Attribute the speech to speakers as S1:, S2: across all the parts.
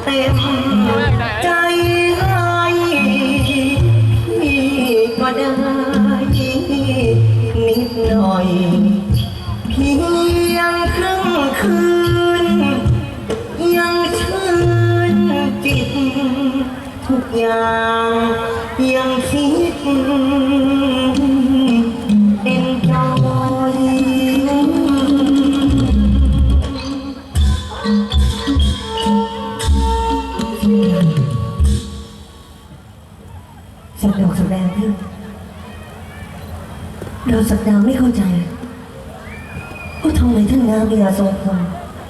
S1: เต็มใจให้พี่ก็ได้นิดหน่อยเพียงครึ่งคืนยังชื่นจิตทุกอย่างยังคิดเป็นจอยสักดอกสักแดงขึ้นเราสักดาวไม่เข้าใจว่าทำไมท่านนางพญาทรงพล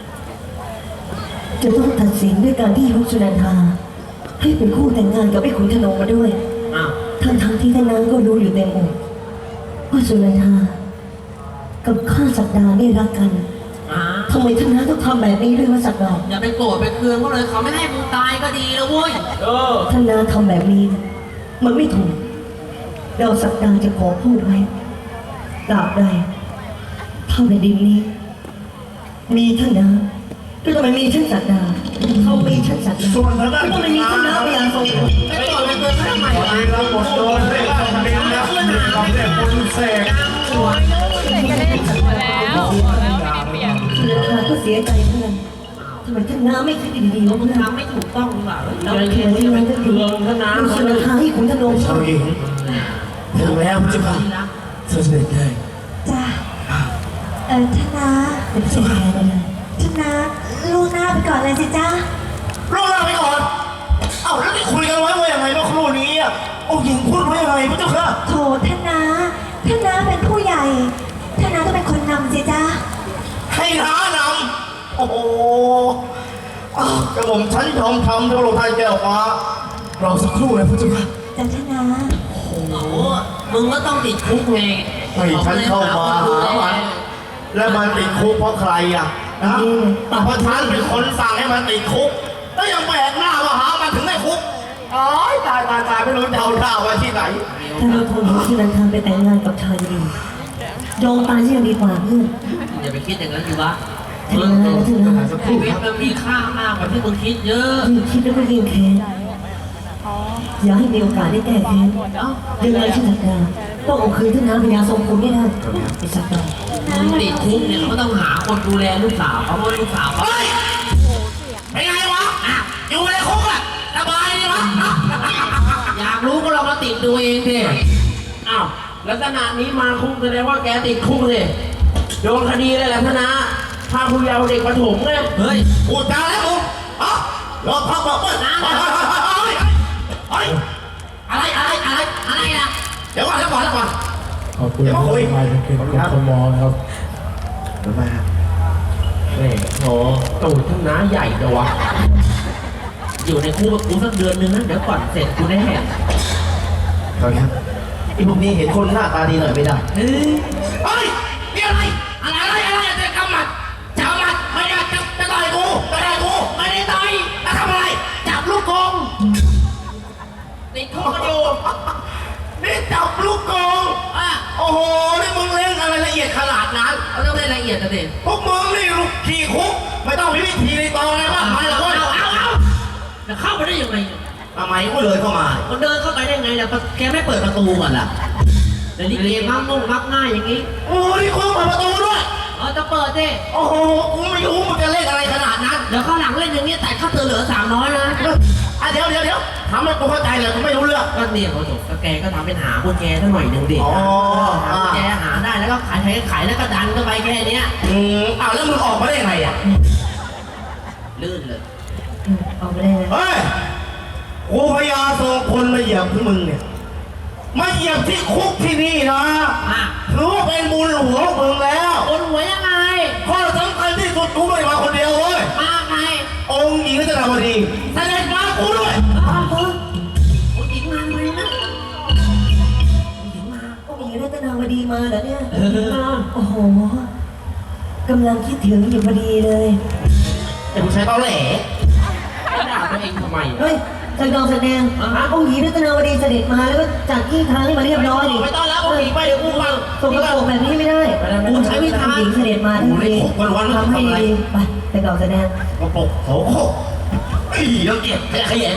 S1: จะต้องตัดสินด้วยการที่ยกสุนันทาให้เป็นคู่แต่งงานกับไอ้ขุนธนงมาด้วยทั้งที่ท่านนางก็รู้อยู่เต็มอกว่าสุนันทากับข้าสักดาได้รักกันทำไมท่านนางต้องทำแบบนี้ด้วยวะสักดา
S2: อย่าไปโกรธไปเคืองเขาเลยเขาไม่ให้มึงตายก็ดีแล้วเว้ย
S1: ท่านนางทำแบบนี้มันไม่ถูกเราสักดาจะขอพูดไว้ตราบใดเท่าในดินนี้มีท่านนางก็ต้องมีท่านสักดาเขามีท่านสักดา
S3: ส่วนทางด้าน
S1: ก็ต้องมีท่านนางพยาทรงพล
S2: ไปโกรธไปเคืองเขาทำไม
S3: วันนี้เราหมดโดนได้ล่าทะเลนะเราได้คนเสก
S2: หัว
S1: สุนันทาก็เสียใจเพื่อนทำไมท่านนางไม่คิดดีๆวะ
S2: มึ
S1: เพื่
S2: ง
S1: อน
S2: ทำไม่ถูกต้องหรือเปล่า
S1: เราเขียนที่มันก็คือสุนันทาให้ขุนธนง
S3: ชาวหญิงถึงแล้วเจ้าค่ะเสด็จได้
S4: จ้าท่านนะ
S1: เป็นเสียใจเลย
S4: ท่านนะลูกหน้าไปก่อนเลยสิจ้า
S3: รอเราไปก่อนเอ้าแล้วที่คุยกันไว้ว่ายังไงเมื่อครู่นี้อ่ะองค์หญิงพูดไว้ยังไงพระเจ้าค่ะ
S4: โถท่านนะเป็นผู้ใหญ่ท่านนะต้องเป็นคนนำสิจ้า
S3: ให้น้านำโอ้โหกระหม่อมฉันยอมทำพระองค์ท่านแก้วฟ้ารอสักครู่นะพระเจ้าค่ะ
S4: จ้าท่านนะ
S2: โอ้โหมึงก็ต้องติดคุกไง
S3: ให้ฉันเข้ามาหามันแล้วมันติดคุกเพราะใครอ่ะนะแต่พระท่านเป็นคนสั่งให้มันติดคุกแล้วยังแบกหน้ามาหามันถึงได้คุกอ๋อตายไม่รู้จะเอาหน้าไว้ที่ไหน
S1: ถ้าเราทนของสุนันทาไปแต่งงานกับชายดียอมตายยังดีกว่าเพื่อน
S2: อย่าไปคิดอย่างนั้นอยู่วะ
S1: แต่งงานแล้วเถอะนะ
S2: ชีวิตมันมีค่ามากกว่าที่มึงคิดเยอะ
S1: ยิ่งคิดแล้วก็ยิ่งแค้นอย่าให้มีโอกาสได้แก้แค้นยังไงที่สักดาต้องเอาคืนท่านนางพญาทรงพลไม่ได้ไอ้สักดา
S2: มึงติดคุกเนี่ยเขาก็ต้องหาคนดูแลลูกสาวเขาเพราะลูกสาวเขา
S3: เฮ้ยเป็นไงวะอยู่ในคุกอะสบายดีวะ
S2: อยากรู้ก็ลองมาติดดูเองดิอ้าวลักษณะนี้มาคุกแสดงว่าแกติดคุกเลยโดนคดีอะไรแหละพนะพาผู้เยาว์เด็กประถมเนี่ยเฮ้ย
S3: พูดจาแล้วมึงรอพักบอกว่า
S2: อะไรนะ
S3: เดี๋ยวก่อน
S5: ขอบคุณมากเป็นคนมองครับ
S3: มา
S2: แม่โหตูดทั้งน้าใหญ่จังวะอยู่ในคุกกับกูสักเดือนนึงนะเดี๋ยวก่อนเสร็จกูแน่
S3: ครับไอ้พวกนี้เห็นคนหน้าตาดีหน่อยไม่ได้
S2: เฮ้ย
S3: เฮ้ยนี่อะไรจะกำมัดจับมัดไม่ได้จะต่อยกูไม่ได้ต่อยจะทำอะไรจับลูกกง
S2: ติดคุกกันอยู่
S3: นี่จับลูกกงโอ้โหนี่มึงเล่นอะไรละเอียดขนาดนั้น
S2: เขาต้องได้ละเอียดนะเด็ก
S3: พวกมึงนี่ลูกขี่คุกไม่ต้องมีวิธีในตอนอะไรมากมายหรอกเว้ย
S2: เอาจะเข้าไปได้ยังไง
S3: ทำไมกูเลยเข้ามา
S2: มันเดินเข้าไปได้ไงเนี่ยแกไม่เปิดประตูก่อนล่ะแต่นี่เกมมักง่ายอย่างนี้
S3: โอ้นี่คุกเปิดประตูด้วย
S2: จะเปิดดิ
S3: โอ้โหกูไม่รู้มึงจะเล่นอะไรขนาดนั้น
S2: เดี๋ยวข้างหลังเล่นอย่างนี้แต่ค่าเตือนเหลือ300นะ
S3: เดี๋ยวทำให้กูเข้าใจเลยกูไม่รู้เรื่อง
S2: ก็เนี่ยเขาบอกแกก็ทำเป็นหากุญแจสักหน่อยหนึ่งดิ
S3: อ๋อ
S2: หากุญแจหาได้แล้วก็ขายแล้วก็ดันเข้าไปแค่เนี้ย
S3: แล้วมึงออกมาได้ยังไงอ่ะ
S2: ลื่นเลย
S1: เอาไปได้นะ
S3: เฮ้ยกูพยาทรงคนมาเหยียบที่มึงเนี่ยมาเหยียบที่คุกที่นี่นะถือว่าเป็นบุญหลวงมึงแล้ว
S2: คนหัวยังไง
S3: ข้อสำคัญที่สุดกูไม่ได้มาคนเดียวเว้ย
S2: มาไง
S3: องค์หญิงรัตนาวดีเสด็จมากูด้วย
S2: คนหญิงมาไหมนะหญิงมา
S1: ก็มีรัตนาวดีมาเหรอเนี่ยโอ้โหกำลังคิดถึงอยู่พอดีเลย
S3: แต่กูใช้เตาแหล่
S2: ด่าตัวเองทำไม
S1: เฮ้ยสักดอกแสดงองค์หญิงรัตนาวดีเสด็จมาแล้วก็จัดที่ทางให้มาเรียบร้อยดิ
S2: ไม่ต้องแล้วองค์หญิงไปเดี๋ยวกูฟัง
S1: ส่งกระโปรงแบบนี้ไม่ได้กูใช้วิธีหญิงเสด็จมาทันทีทำให้ดีไปสักดอกแสดง
S3: กระปกโถโคแล้วเก็บขยะ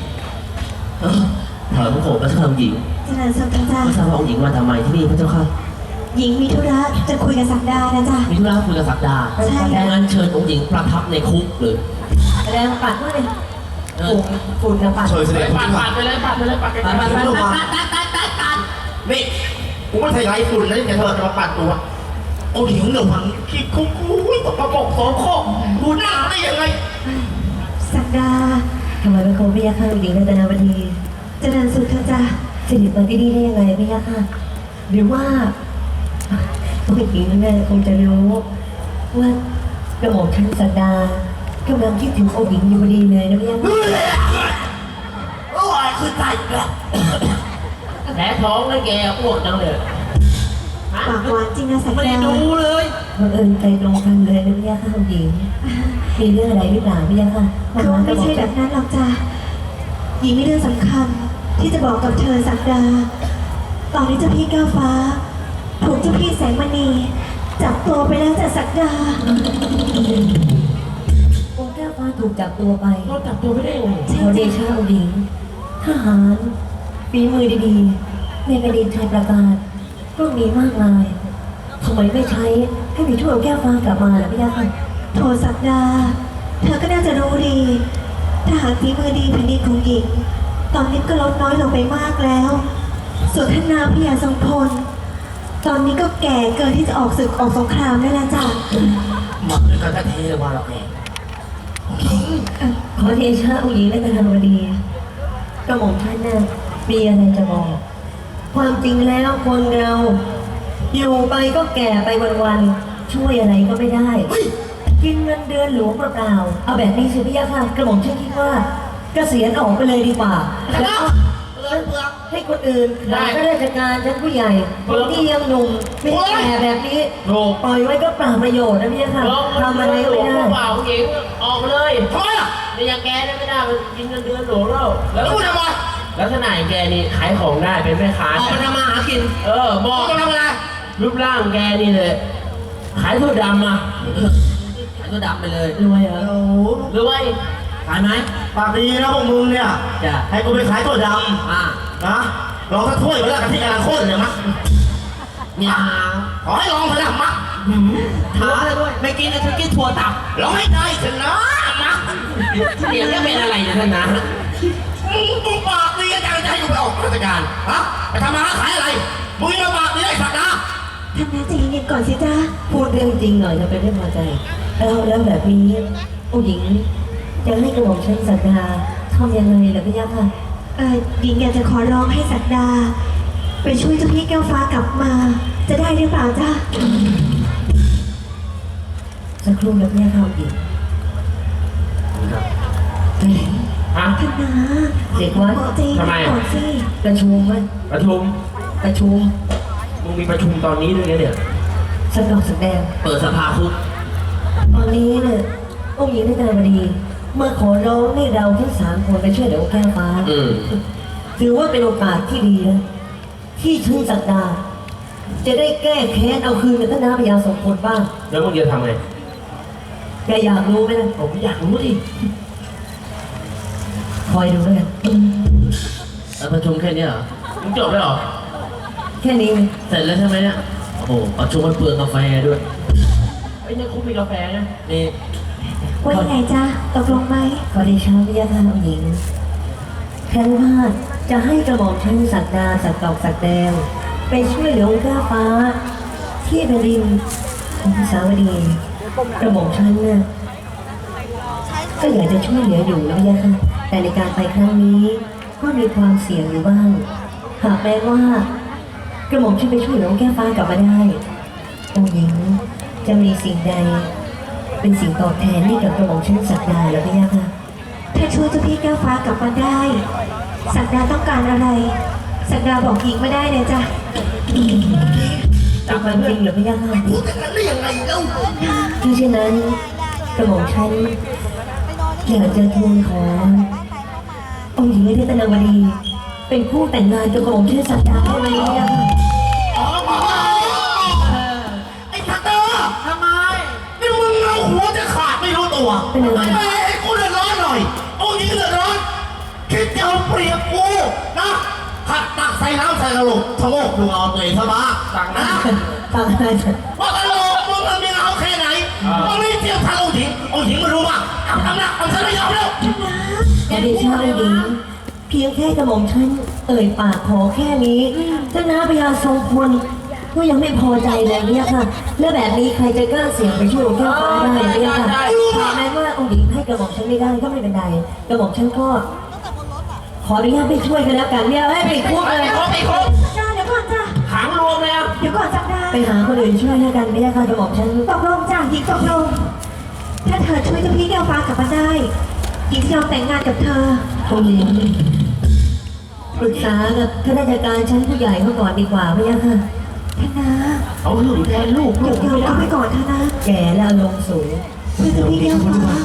S2: ถอยพระโขงพระเจ้าหญิง
S4: เจริญสุขนะจ๊ะ
S2: พระเจ้าหญิงมาทำไมที่นี่พระเจ้าค่ะ
S4: หญิงมีธุระจะคุยกับศักดานะจ๊ะ
S2: มีธุระคุยกับศักดา
S4: ใช่
S2: ดังนั้นเชิญองค์หญิงประทับในคุกเลย
S1: แสดงปัดว่าเลยฝุ่นนะปัด
S3: เชิญเสด็จ
S2: ปัดไปเลยปัดไปเลยปัดไปเลยปัดไปเลยปัด
S3: นี่กูไม่ใช่ไรฝุ่นนะแต่เธอจะมาปัดตัวโอ้หิวหนึ่งพันขี้คุกอุ้ยตกประกบสองข้อดูหน้าได้ยังไง
S4: ศักดา
S1: ทำไมเป็นคนพี่ยาข้าหญิงรัตนาวดี
S4: เจริญสุขนะจ๊ะ
S1: เสด็จมาที่นี่ได้ยังไงพี่ยาข้าหรือว่าผู้หญิงเนี่ยคงจะรู้ว่ากระหม่อมชั้นสักดากำลังคิดถึงองค์หญิงอยู่พอดีเลยนะพี่ยาข้า
S3: โอ้ยคือตายแล้ว
S2: แผลท้องแล้วแกอ้วกจังเลย
S4: ปากหวานจริงนะศัก
S2: ไม่
S4: ดา
S2: ได้ดูเลย
S1: บังเอิญใจตรงกันเลยนะพี่ยาข้าองค์หญิงมีเรื่องอะไรหรือเปล่าพี่ยาข้า
S4: คือว่าไม่ใช่แบบนั้นหรอกจ้ะหญิงมีเรื่องสำคัญที่จะบอกกับเธอศักดา ตอนนี้เจ้าพี่ก้าวฟ้า ถูกเจ้าพี่แสงมณีจับตัวไปแล้วจ้ะศักดา
S1: องค์แก้วฟ้าถูกจับตัวไป
S2: เราจับตัวไม่ได้ยังไง
S1: ขอเดชะองค์หญิงทหารฝีมือดีๆในแผ่นดินไทยประกาศก็มีมากมายทำไมไม่ใช้ให้มีทั่วแก้วฟ้ากลับมาล่ะพี่ยาค่ะ
S4: โทศักดา เธอก็น่าจะรู้ดีทหารฝีมือดีแผ่นดินของหญิง ตอนนี้ก็ลดน้อยลงไปมากแล้ว ส่วนท่านนางพญาทรงพล ตอนนี้ก็แก่เกินที่จะออกศึกออกสงครามได้แล้วจ้ะ
S3: หมักด้วยกันแท้ๆว่าเราเอง
S1: ขอเดชะองค์หญิงและกษัตริย์กระหม่อมท่านน่ะมีอะไรจะบอก ความจริงแล้วคนเราอยู่ไปก็แก่ไปวันๆช่วยอะไรก็ไม่ได้ กินเงินเดือนหลวงเปล่าๆเอาแบบนี้สิพี่ยาค่ะกระหม่อมฉันคิดว่าเกษียณออกไปเลยดีกว่าแล้วก็ให้คนอื่นหาข้าราชการชั้นผู้ใหญ่คนที่ยังหนุ่มไม่แก่แบบนี้ปล่อยไว้ก็เปล่าประโยชน์นะพี่ยาค่ะทำอะไรก็ไม่ได้
S2: เปล่าหญิงออกมาเลย
S3: ทำไมอ่ะ
S2: ในอย่างแกเนี่ยไม่ได้มันกินเงินเดือนหลวงแล้วแล้ว
S3: แล้วมึงทำไม
S2: ลักษณะอย่างแกนี่ขายของได้เป็นแม่ค้า
S3: ออกมาทำมาหากิน
S2: บอก
S3: มึงทำอะไร
S2: รูปร่างแกนี่เลยขายถั่วดำอ่ะขายถั่วดำไปเลย
S1: รวยเหรอ
S3: โอ้โห
S2: รวยขายไหม
S3: ปากดีนะพวกมึงเนี่ย
S2: จ้ะ
S3: ให้กูไปขายตัวด
S2: อ่า
S3: ำนะลองสักถ้วยไปแล้วกันที่กำลังข้นเนี่ยมั้ง
S2: เนี่ย
S3: ขอให้ลองไปนะมั้ง
S2: ท้าเลยด้วยไม่กินแล้วฉันกินถั่วตับ
S3: ลองให้ได้เถอะนะมั้ง
S2: เสียงจะเป็นอะไรนะท่านนะ
S3: มึงปากดีจังจะให้กูไปออกราชการฮะไปทำมาหาขายอะไรมึงยังปากดีได้สักนะ
S4: ท่านน้าใจเย็นๆก่อนสิจ้า
S1: พูดเรื่องจริงหน่อยจะเป็นเรื่องพอใจแล้วแบบนี้ผู้หญิงจะให้กระหม่อมชั้นสักดาทำยังไงล่ะพี่ยาค่ะ
S4: หญิงอยากจะขอร้องให้ศักดา ไปช่วยเจ้าพี่แก้วฟ้ากลับมา จะได้หรือเปล่าจ้า
S1: สักครู่แล้วพี่ยาค่ะผู้หญิง
S2: ฮะ
S4: ท่านน้า
S1: เด็กวัด
S4: ใจเย็น
S2: ทำไม
S4: ๆก่อนสิ
S1: ประชุมไหม
S2: ประชุม
S1: ประชุม
S2: มึงมีประชุมตอนนี้ด้วยเนี่ย
S1: สักดอกสักแดง
S2: เปิดสภาคุก
S1: ตอนนี้เนี่ยองค์หญิงได้การบดีมาขอร้องให้เราทั้ง3 คนไปช่วยเหลือองค์แก้วฟ้า ถือว่าเป็นโอกาสที่ดีนะที่ชื่อสักดา จะได้แก้แค้นเอาคืนกับท่านน้าพญาสมพลบ้าง
S2: แล้วมึงจะทำไง
S1: แกอยากรู้ไหมล่ะ
S2: ผมอยากรู้ดิ
S1: คอยดูแล้วกัน
S2: แล้วประชุมแค่เนี้ยเหรอมึงจบแล้วเหรอ
S1: แค่นี้เอง
S2: เสร็จแล้วใช่ไหมเนี่ย โอ้โหประชุมมันเปลืองกาแฟด้วยไอ้เนี่ยคุกมีกาแฟนะนี่
S4: ว่ายังไงจ้าตกลงไหม
S1: ขอเดชะพญาทานองค์หญิงแค่ว่าจะให้กระหม่อมชั้นสักดาสักดอกสักแดงไปช่วยเหลือองค์แก้วฟ้า ที่แผ่นดินของสาวดีกระหม่อมชั้นเนี่ยก็อยากจะช่วยเหลืออยู่นะพญาค่ะแต่ในการไปครั้งนี้ก็มีความเสี่ยงอยู่บ้าง หากแม้ว่ากระหม่อมชั้นไปช่วยเหลือองค์แก้วฟ้ากลับมาได้องค์หญิงจะมีสิ่งใดเป็นสิ่งตอบแทนให้กับกระหม่อมชั้นสักดาหรือพญาค่ะ
S4: ถ้าช่วยเจ้าพี่แก้วฟ้ากลับมาได้ ศักดาต้องการอะไร ศักดาบอกหญิงไม่ได้เลยจ้ะ
S1: เป็นความจริงหรือไม่ยากค่ะ
S3: พูดกันได้ยังไงเล่า
S1: ถ้าเช่นนั้นกระหม่อมฉันอยากจะทูลขอองค์หญิงรัตนาวดี เป็นคู่แต่งงานกับกระหม่อมชื่อสักดาได้ไหมเนี่ยค่ะ
S3: ไอ้ทักเตอร์ทำไมนี่มึงเอาหัวจะขาดไม่รู้ตัว
S1: เป็นอะไร
S3: ไอ้กูเดือดร้อนหน่อยองค์หญิงรียบกูนะขัดตักใส่น้ำใส่กระโหลกชะโงกดูเอาตัวเองซะบ้างสั่งนะ
S1: ฟังอะไรเถอะ
S3: ว่ากระโหลกมึงมันมีเอาแค่ไหนมึงไม่เทียบทางองค์หญิงมันรู้ป่ะเอาทำนะเอาฉันไม่ยอมแล้ว
S1: อย่าได้ชอบเลยดิเพียงแค่กระหม่อมฉันเอ่ยปากขอแค่นี้เจ้าน้าพญาทรงพลก็ยังไม่พอใจเลยเนี่ยค่ะ แล้วแบบนี้ใครจะกล้าเสี่ยงไปช่วยองค์แก้วฟ้าได้เนี่ยค่ะถึงแม้ว่าองค์หญิงให้กระหม่อมฉันไม่ได้ก็ไม่เป็นไรกระหม่อมฉันก็ขออนุญาตไปช่วยกันแล้วกันเนี่ยให้ไปคุกเลย
S4: จ้าเดี๋ยวก่อนจ้า
S2: ขังรวมเลยอ่ะ
S4: เดี๋ยวก่อนจับได้
S1: ไปหาคนอื่นช่วยแล้วกันเนี่ยค่ะกระหม่อมฉัน
S4: ตกลงจ้าหญิงตกลง ถ้าเธอช่วยเจ้าพี่แก้วฟ้ากลับมาได้หญิงจะยอมแต่งงานกับเธอ
S1: องค์หญิงปรึกษากับข้าราชการชั้นผู้ใหญ่เขาก่อนดีกว่าไหมอะค่ะ
S4: ท่านนะ
S2: เอาหึงแทนลูก
S4: เดี๋ยวเอาไปก่อนเถอะนะ
S1: แก่แล้วอารมณ์สูง
S4: เพื่อเจ้าพี่แก้วฟ้า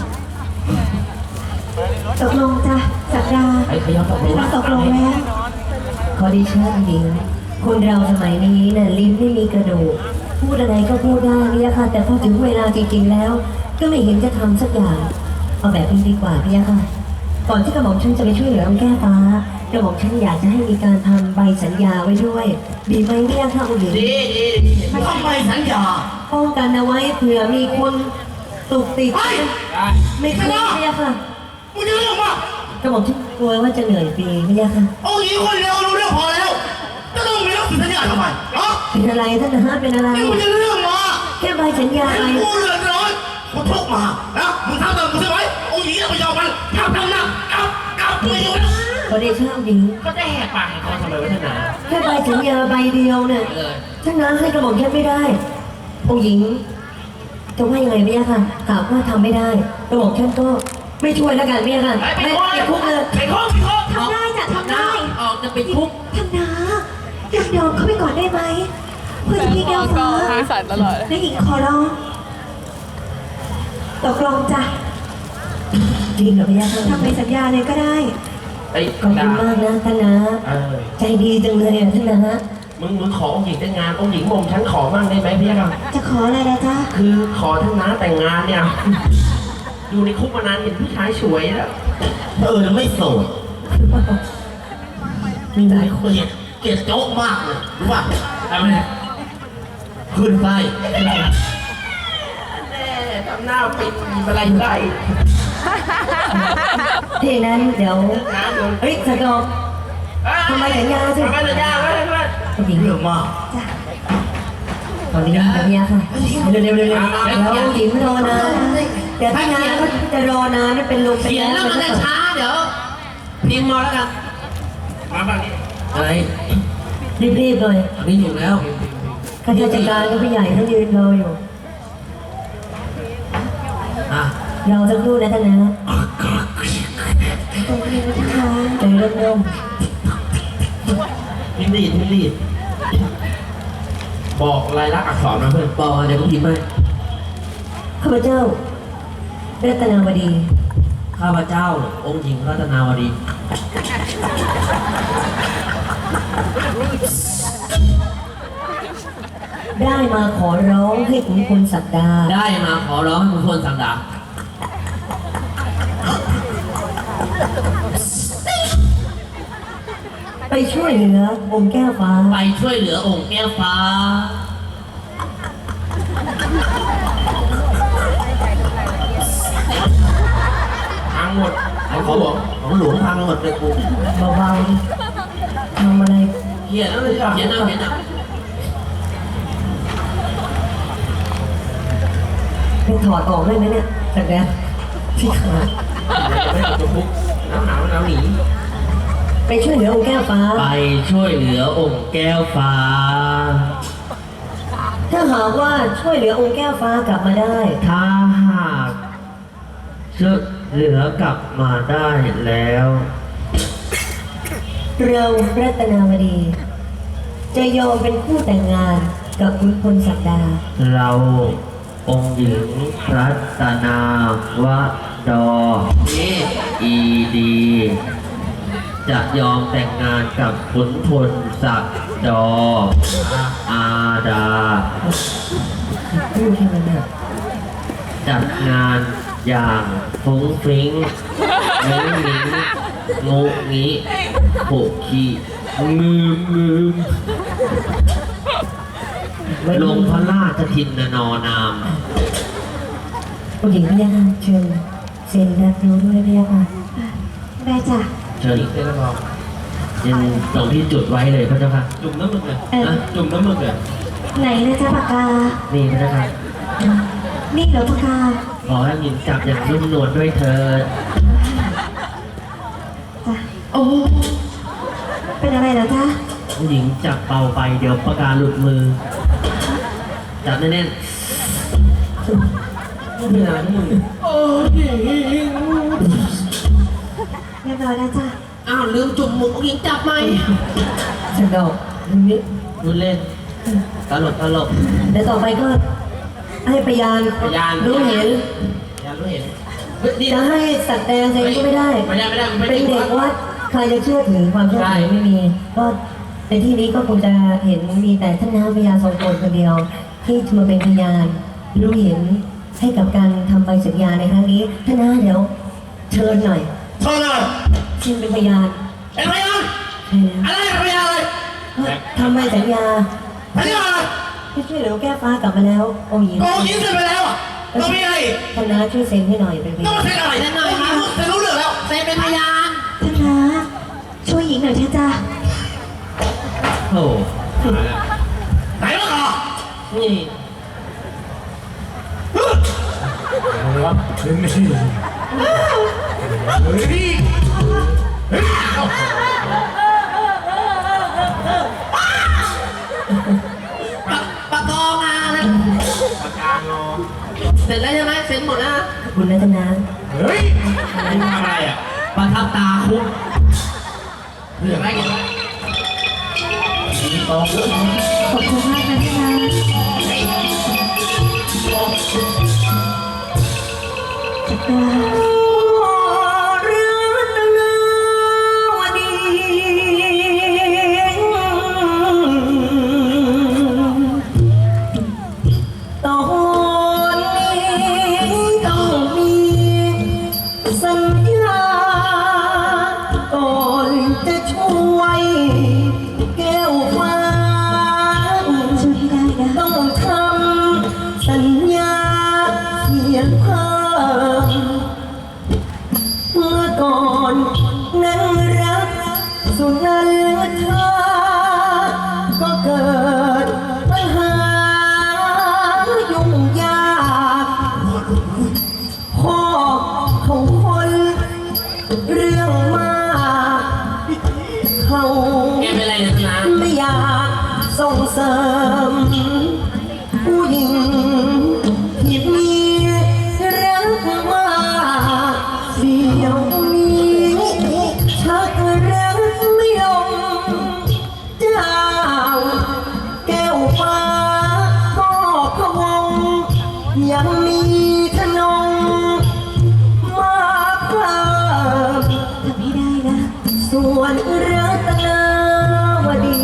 S4: ตกลงจ้ะสักดา
S2: ไอ้ขยับตกลง
S4: เราตกลงแล้ว
S1: ขอดิฉันหญิงคนเราสมัยนี้น่ะลิ้นไม่มีกระดูกพูดอะไรก็พูดได้พี่ยะค่ะแต่พอถึงเวลาจริงๆแล้ว ก็ไม่เห็นจะทำสักอย่างเอาแบบนี้ดีกว่าพี่ยะค่ะก่อนที่กระหม่อมฉันจะไปช่วยเหลือองค์แก้วฟ้ากระหม่อมฉันอยากจะให้มีการทำใบสัญญาไว้ด้วยดีไหมพี่ยะค่ะองค์หญิง
S2: ดีดีดี
S3: ไม่ต้องไปสัญญา
S1: ป้องกันเอาไว้เผื่อมีคนตุกติด
S3: เฮ้ย
S1: ไม่คุ้มพี่ยะค่ะ
S3: มึงจะเรื่องป่ะ
S1: กระหม่อมฉันกลัวว่าจะเหนื่อยฟรีพี่ยะค่ะ
S3: องค์หญิงคนเดียวรู้เรื่องพอแล้วจะต้องมีเรื่องสัญญาทำไมฮะ
S1: เป็นอะไรท่านนะฮะเป็นอะไร
S3: นี่มึงจะเรื่องมา
S1: แค่ใบสัญญาไป
S3: กูเดือดร้อนกูทุกข์มานะมึงทำตามกูใช่ไหมองค์หญิงจะไปยอมมันทำนะกลับไม่อยู่แล้ว
S1: ขอเดชะองค์หญิง
S2: ก็จะแหกปากให้เขาทำไมวะท่านนา
S1: แค่ใบสัญญาใบเดียวเนี่ย
S2: เออ
S1: ท่านน้าให้กระหม่อมแค่ไม่ได้ องค์หญิงจะว่ายังไงไม่ยากค่ะหากว่าทำไม่ได้กระหม่อมแค่ก็ไม่ช่วยแล้วกันไม่ยากค่ะ
S2: ไป
S1: ไม่
S2: คุก
S1: ติดคุกเลย
S2: ไปคุกไปคุก
S4: ทำได้จ้ะทำได้
S2: ออกจะไปคุก
S4: ท่านนะยอมเขาไปก่อนได้ไหมเพื่อเจ้าพี่แก้วฟ้า
S6: มือสั่นตลอดเลย
S4: และหญิงขอร้องตกลงจ้ะ
S1: จริงเหรอไม่ยากค่ะ
S4: ทำในสัญญาเลยก็ได้
S2: ไอ้
S1: ขอบคุณมากนะท่านนะ
S2: เออ
S1: ใจดีจังเลยอ่ะท่านนะ
S2: มึงขอองค์หญิงแต่งงานองค์หญิงมอมฉันขอมั่งได้ไหมพี่ครับ
S4: จะขออะไรนะจ๊ะ
S2: คือขอท่านน้าแต่งงานเนี่ย อยู่ในคุกมานานเห็นผู้ชายสวยแล้ว
S3: ไม่โสด
S1: มีหลายคน
S3: เกลียดโจ๊กมากเลยรู้ป่ะ
S2: ทำไม
S3: ขึ้นไส้
S2: แน่ทำหน้าปิดอะไรได้
S1: ที่นั้นเดี๋ยว
S2: น้าโดน
S1: เฮ้ยสะดอก ทำไมสัญญาสิ
S2: ทำไมสัญญาไว้ไว้
S1: องค์หญิง
S3: เรื่องมาก
S1: ตอนนี้นะพี่ยาค่ะเร็วๆแล้วองค์หญิงรอนานเดี๋ยวท่านนาก็จะรอนานเป็นลมเป็น
S2: เขียน
S1: แล้
S2: แล้วมันจะช้าเดี๋ยวพิมพ์มาแล้วกันมาบ้างนี้อะไร
S1: รีบๆเลย
S2: อันนี้อยู่แล้ว
S1: ข้าราชการก็ผู้ใหญ่ท่านยืนรออยู่
S2: อ่ะ
S1: เราสักครู่นะท่านนะ
S4: ตรงนี้นะคะ
S1: ใจร่ม
S2: พิมพ์รีดบอกลายลักษณ์อักษรมาเพื่อนบอกเดี๋ยวผมพิมพ์ให้
S1: ๆข้าพเจ้ารัตนาวดี
S2: ข้าพเจ้าองค์หญิงรัตนาวดี
S1: ได้มาขอร้องให้ขุนพลศักดา
S2: ได้มาขอร้องให้คุณพลสังดา
S1: ไปช่วยเหลือองค์แก้วฟ้า
S2: ไปช่วยเหลือองค์แก้วฟ้า พังหมดของหลวงพังหมดเลยกู
S1: เบาๆทำอะไร
S2: เขียนแล้วเลยเขียนเอา
S1: ไปถอดออกได้ไหมเนี่ยศักดาที่ขา
S2: ไม่เอาตัวคุกน้ำหนาวหนี
S1: ไปช่วยเหลือองค์แก้วฟ้า
S2: ไปช่วยเหลือองค์แก้วฟ้า
S1: ถ้าหากว่าช่วยเหลือองค์แก้วฟ้ากลับมาได้
S2: ถ้าหากช่วยเหลือกลับมาได้แล้ว
S1: เรารัตนาวดี จะยอมเป็นคู่แต่งงานกับขุนพลศักดา
S2: เราองค์หญิงรัตนาวดอีดี จะยอมแต่งงานกับขุนพลศักดอาดา
S1: พูดให้มันเนี่ย
S2: จัดงานอย่างฟุ้งฟริ้งงูงี้โผขี้งืมลงพระราชทินนอนาม
S1: ผู้หญิงพี่ค่ะเชิญเซ็นรับรู้ด้วยพี่ค่ะ
S4: ได้จ้ะ
S2: เชิญเต้นรองยังตรงที่จุดไว้เลยพระเจ้าค่ะจุ่มน้ำมึกเลยนะจุ่มน้ำมึกเลย
S4: ไหนนะจ๊ะปากกา
S2: นี่พระเจ้าค่ะ
S4: นี่เหรอปากกา
S2: ขอให้หญิงจับอย่างนุ่มนวลด้วยเธอ
S4: จ้ะ
S2: โอ้
S4: เป็นอะไรเหรอจ๊ะ
S2: ผู้หญิงจับเบาไปเดี๋ยวปากกาหลุดมือ จับแน่นๆไม่นานนะมึงโอ้ย
S4: เรียบร้อยแล้วจ้ะ
S2: อ้าวลืมจุ่มหมึกผู้หญิงจับไหม
S1: ฉันดอกนิด
S2: ดูเล่นตลก
S1: เดี๋ยวต่อไปก็ให้พยาน
S2: พยาน
S1: รู้เห็น
S2: อย่ารู้เห็นเฮ้ยดี
S1: จะ
S2: นะ
S1: ให้สัตว์แดงเซ็นก็ไม่ได้
S2: ไม่ได้
S1: เป็นเด็กวัดใครจะเชื่อถือความเชื่อถือไม่มี ก็ในที่นี้ก็คงจะเห็นมีแต่ท่านน้าพยานทรงตนคนเดียว ที่จะมาเป็นพยานรู้เห็นให้กับการทำใบสัญญาในครั้งนี้ท่านน้าเดี๋ยวเชิญหน่อย
S3: เท่านั้น
S1: ชิมเป็นพยาน
S3: เป็นพยาน
S1: ใช่แล้ว
S3: อะไรเป็นพยานอะไร
S1: ทำใบสัญญา
S3: พยานอะไร
S1: ที่ช่วยเหลือแก้ฟ้ากลับมาแล้วองค์หญิง
S3: โกงยิงเสร็จไปแล้วอ่ะต้องมีอะไรอีก
S1: ท่านน้าช่วยเซ็นให้หน่อยเป็นพ
S3: ต้อง
S1: ยาน
S3: มาเซ็นอะไรเซ็นหน่อยครับเซ็นรู้เรื่องแล้ว
S2: เซนเป็นพยาน
S4: ท่านนะช่วยหญิงหน่อยเถอะจ้ะ
S2: โอ้
S3: ไหนวะก่อ
S2: นี่
S5: เอาละนี่
S3: เฮ้ยเฮ้ย
S2: ปากกองอ่ะนะปากกางอเสร็จแล้วใช่ไหมเสร็จหมดนะ
S1: ขอบคุณนะท่านน้า
S3: เฮ้ยทำอะไรอ่ะ
S2: ประทับตาคุณเรื่องอะไรกัน
S3: ตอง
S4: ขอบคุณมากนะท่านนะปากกา
S1: ตอนนี้ต้องมีสัญญาก่อนจะช่วยแก้วฟ้า
S4: ช่วยให้ได้นะ
S1: ต้องทำสัญญาเขียนเพิ่มเมื่อก่อนนั้นรักสุนันทาก็เกิดปัญหายุ่งยากพ่อของคนเรื่องมากเขา
S2: แกเป็นอะไรนะนะ
S1: ไม่อยากส่งเสริมผู้หญิงที่มีรักมากเดียวนี้ชักรักไม่ลงเจ้าแก้วฟ้าก็พะวงยังมีขนมมาเพิ่ม
S4: ทำให้ได้นะ
S1: ส่วนรัตนาวดี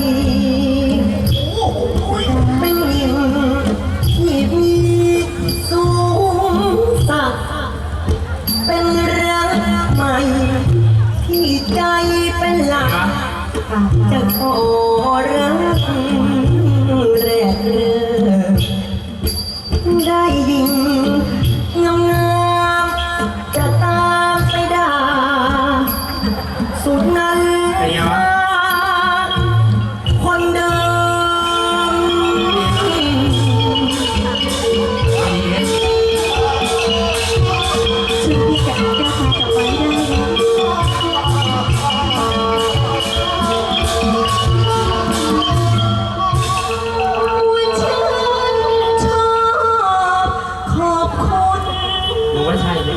S1: เป็นหญิงที่มีสูงสักดิ์เป็นรักใหม่ที่ใจเป็นหลักจะขอรักแรกเริ่มได้ยินงามๆจะตามไปด่า สุดนั้นคนเดิม
S4: ช่วยพี่กับแก้วฟ้ากลับไว้ได้นะว่าฉันชอบขอบคุณ
S2: ดูว่าใช่ไหม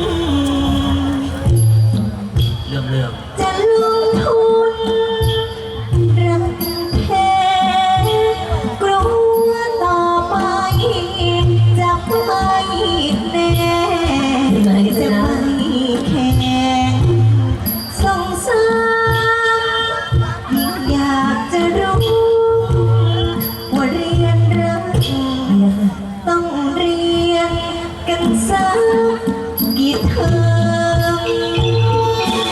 S2: เรื่อง
S4: จะลงทุนรักแท้กลัวต่อไปจะไม่แน่จะไม่แข็งสงสารยิ่งอยากจะรู้ว่าเรียนรักต้องเรียนกันสักกี่เทอม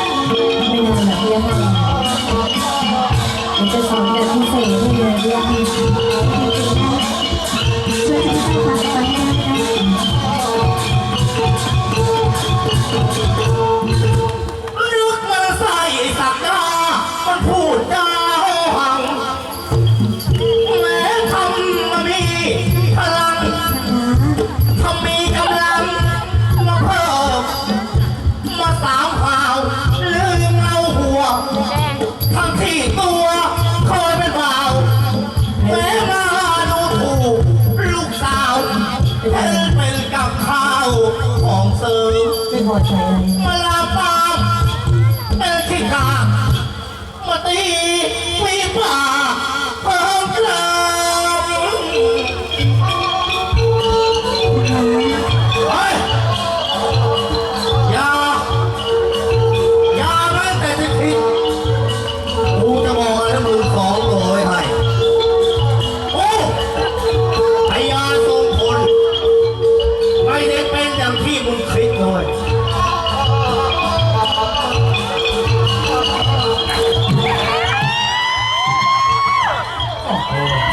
S3: ตีมีปากเพิ่มเติมเฮ้ยอย่าแม้แต่จะคิดกูจะบอกอะไรมึงสองตัวไว้ให้โอ้พยาทรงพลไม่ได้เป็นอย่างที่มึงคิดเลย
S5: โอ้โห